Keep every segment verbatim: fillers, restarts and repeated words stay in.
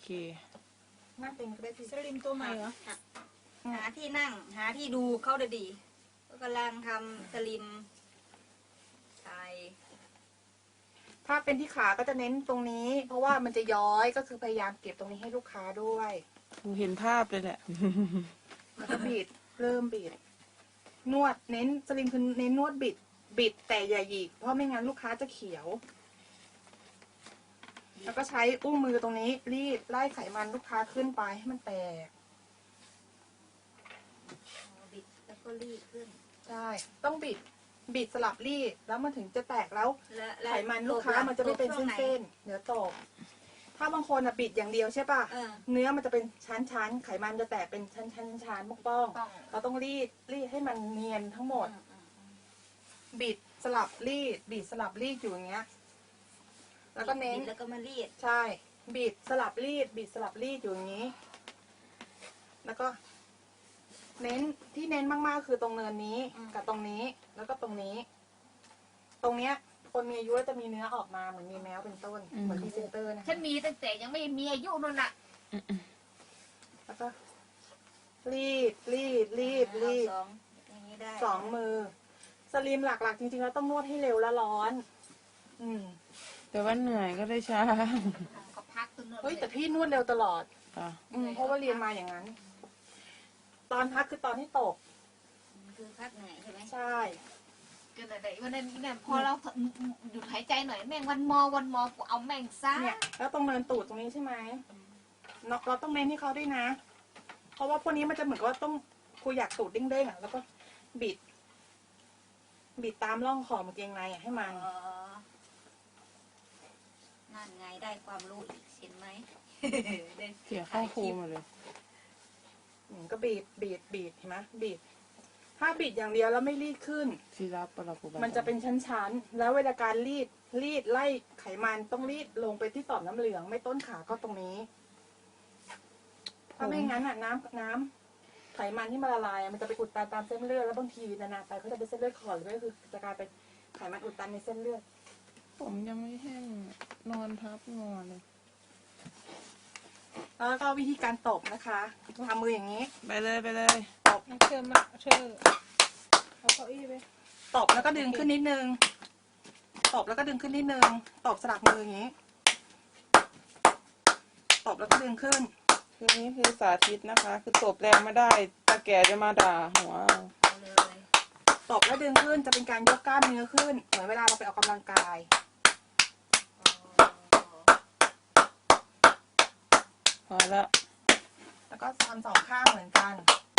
นั่งเป็นก็ได้พี่สลิมตัวใหม่เหรอหาที่นั่งหาที่ดูเขาเดี๋ยวดีก็กำลังทำสลิมใช่ถ้าเป็นที่ขาก็จะเน้นตรงนี้ เพราะว่ามันจะย้อยก็คือพยายามเก็บตรงนี้ให้ลูกค้าด้วยเห็นภาพเลยแหละแล้วก็บิดเริ่มบิดนวดเน้นสลิมคือเน้นนวดบิดบิดแต่อย่าหยิกเพราะไม่งั้นลูกค้าจะเขียว แล้วก็ใช้อุ้งมือตรงนี้รีดไล่ไขมันลูกค้าขึ้นไปให้มันแตกบิดแล้วก็รีดขึ้นใช่ต้องบิดบิดสลับรีดแล้วมันถึงจะแตกแล้วและและไขมันลูกค้ามันจะไม่เป็นเส้นๆเนื้อตกถ้าบางคนอะบิดอย่างเดียวใช่ป่ะเออเนื้อมันจะเป็นชั้นๆไขมันจะแตกเป็นชั้นๆชั้นๆป้องๆเราต้องรีดรีดให้มันเนียนทั้งหมด บิดสลับรีดบิดสลับรีดอยู่อย่างเงี้ยแล้วก็เน้นบิดแล้วก็มารีดใช่บิดสลับรีดบิดสลับรีดอยู่อย่างนี้ แล้วก็ เน้นที่เน้นมากๆคือตรงเนินนี้กับตรงนี้แล้วก็ตรงนี้ ตรงเนี้ยคนมีอายุจะมีเนื้อออกมาเหมือนมีแมวเป็นต้นเหมือนพรีเซนเตอร์นะฉันมีตั้งแต่ยังไม่มีอายุนั่นแหละแล้วก็รีดรีดรีดรีดสองอย่างนี้ได้สองมือสลิมหลักๆจริงๆแล้วต้องนวดให้เร็วและร้อน อืมแต่ว่าเหนื่อยก็ได้ช้าก็พักตัวนึงเฮ้ยแต่พี่นวดเร็วตลอดอ่ะอืมเพราะว่าเรียนมาอย่างนั้น ตอนพักคือตอนที่ตกคือพักเหนื่อยใช่ไหมใช่ก็ไหนๆวันนั้นเนี่ยพอเราหยุดหายใจหน่อยแม่งวันมอวันมอกูเอาแม่งซะเนี่ย แล้วตรงเนินตูดตรงนี้ใช่ไหมเราเราต้องเน้นให้เขาด้วยนะ เพราะว่าพวกนี้มันจะเหมือนกับว่าต้องครูอยากตูดเด้งๆอ่ะแล้วก็บิด บิดตามร่องขอบกางเกงในอ่ะให้มันอ๋อนั่นไงได้ความรู้อีกเห็นไหมเสียค่าครูมาเลยอืมก็บีบบีบบีบเห็นไหมบีบถ้าบีบอย่างเดียวแล้วไม่รีดขึ้นที่รับปรับปรุงมันจะเป็นชั้นๆ แล้วเวลาการรีดรีดไล่ไขมันต้องรีดลงไปที่ต่อมน้ำเหลือง ไม่ต้นขาก็ตรงนี้ ถ้าไม่งั้นอ่ะน้ำน้ำไขมันที่มันละลายอะมันจะไปอุดตันตามเส้นเลือดแล้วบางทีนานๆไปเขาจะเป็นเส้นเลือดขอดหรือไม่ก็คือจะกลายเป็นไขมันอุดตันในเส้นเลือดผมยังไม่แห้งนอนทับงอเลยแล้วก็วิธีการตบนะคะทำมืออย่างนี้ไปเลยไปเลยตบเชิญมาเชิญเอาเก้าอี้ไปตบแล้วก็ดึงขึ้นนิดนึงตบแล้วก็ดึงขึ้นนิดนึงตบสลับมืออย่างนี้ตบแล้วก็ดึงขึ้นคือนี้คือสาธิตนะคะ คือตบแรงไม่ได้ตาแก่จะมาด่าหัวเอาเอาเลยตบแล้วดึงขึ้นจะเป็นการยกกล้ามเนื้อขึ้นเหมือนเวลาเราไปออกกำลังกายพอแล้วแล้วก็ทำสองข้างเหมือนกัน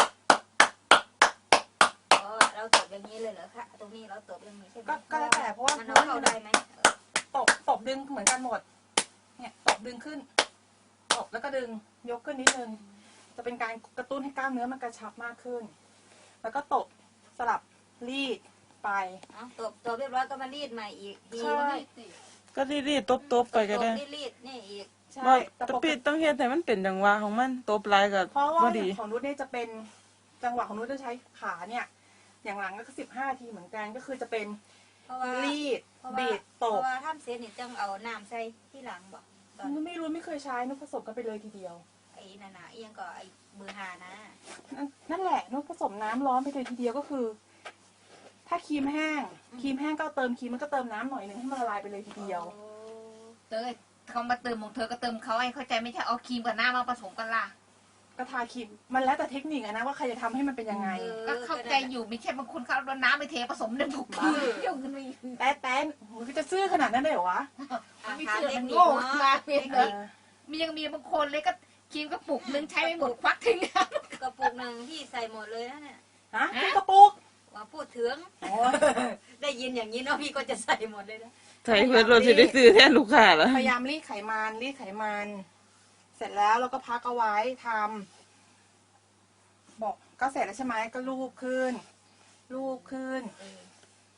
อ๋อเราตบอย่างนี้เลยเหรอคะตรงนี้เราตบอย่างนี้ใช่ไหมก็ก็แล้วแต่เพราะว่ามันเอาเข้าได้ไหมตบตบดึงเหมือนกันหมด เนี่ยตบดึงขึ้นตบแล้วก็ดึงยกขึ้นนิดนึงจะเป็นการกระตุ้นให้กล้ามเนื้อมันกระชับมากขึ้น แล้วก็ตบสลับรีดไปเอาตบตบเรียบร้อยก็มารีดใหม่อีกทีใช่ก็รีดๆตบๆไปก็ได้ตบรีดๆนี่อีกใช่ว่าแต่ตะปกปิติดต้องเฮ็ดให้มันเป็นจังหวะของมันตบลายกับเพราะว่าบ่ดีของนุชเนี่ยจะเป็นจังหวะของนุชจะใช้ขาเนี่ย อย่างหลังก็สิบห้าทีเหมือนกันก็คือจะเป็นเพราะว่ารีดเพราะว่าบีดเพตราะบว่าท่านเสียนี่ต้องเอาน้ำใส่ที่หลังบอกตอนนุชไม่รู้ไม่เคยใช้นุชผสมกันไปเลยทีเดียวไอ้นานาเอียงก็ไอ้เบอร์หานะนั่นนั่นแหละนุชผสมน้ำร้อนไปเลยทีเดียวก็คือ ถ้าครีมแห้งครีมแห้งก็เติมครีมมันก็เติมน้ำหน่อยนึงให้มันละลายไปเลยทีเดียวโอ้เตยเขามาเติมของเธอก็เติมเขาให้เข้าใจไม่ใช่เอาครีมกับหน้ามาผสมกันล่ะก็ทาครีมมันแล้วแต่เทคนิคอะนะว่าใครจะทำให้มันเป็นยังไงก็เข้าใจอยู่ไม่ใช่บางคนเขาเอาน้ำไปเทผสมในบุกบ้าเดี๋ยวกันไปแต่แต่มันก็จะซื่อขนาดนั้นเลยเหรอวะมันไม่เชื่อมันโง่มาเพียงเออมียังมีบางคนเลยก็ครีมกระปุกนึงใช้ไม่หมดควักทิ้งกระปุกหนึ่งพี่ใส่หมดเลยนะเนี่ยฮะกระปุกว่าพูดถึงโอ้ยได้ยินอย่างนี้เนาะพี่ก็จะใส่หมดเลยนะใส่เพื่อเราจะได้ซื้อแทนลูกค้าแล้วพยายามรีดไขมันรีดไขมัน เสร็จแล้วเราก็พักเอาไว้ทำบอกก็เสร็จแล้วใช่ไหมก็ลูบขึ้น ลูบขึ้นเออ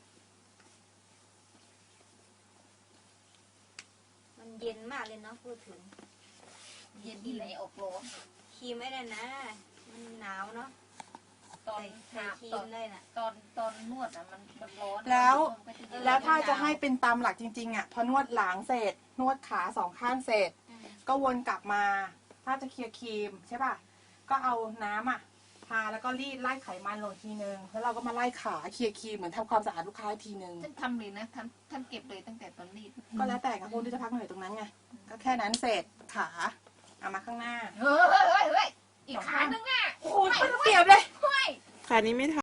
มันเย็นมากเลยเนาะพูดถึงเย็นดีเลยอกร้อนครีมไม่ได้นะ มันหนาวเนาะตอนใส่หาครีตอมนได้น่ะตอนตอนนวดอ่ะมันมันร้อนแล้วมันก็จะเย็นแล้วถ้าจะให้เป็นตามหลักจริงๆอ่ะพอนวดหลังเสร็จ นวดขาสองข้างเสร็จ ก็วนกลับมาถ้าจะเคลียร์ครีมใช่ป่ะก็เอาน้ำอ่ะทาแล้วก็รีดไล่ไขมันลงทีนึงแล้วเราก็มาไล่ขาเคลียร์ครีมเหมือนทำความสะอาดลูกค้าอีกทีนึงท่านทำเลยนะท่านท่านเก็บเลยตั้งแต่ตอนรีดก็แล้วแต่ค่ะพวกที่จะพักเหนื่อยตรงนั้นไงก็แค่นั้นเสร็จขาเอามาข้างหน้าเฮ้ยเฮ้ยเฮ้ยอีกขานึงอ่ะโอ้ยมันเปรียบเลยเฮ้ยขานี้ไม่ท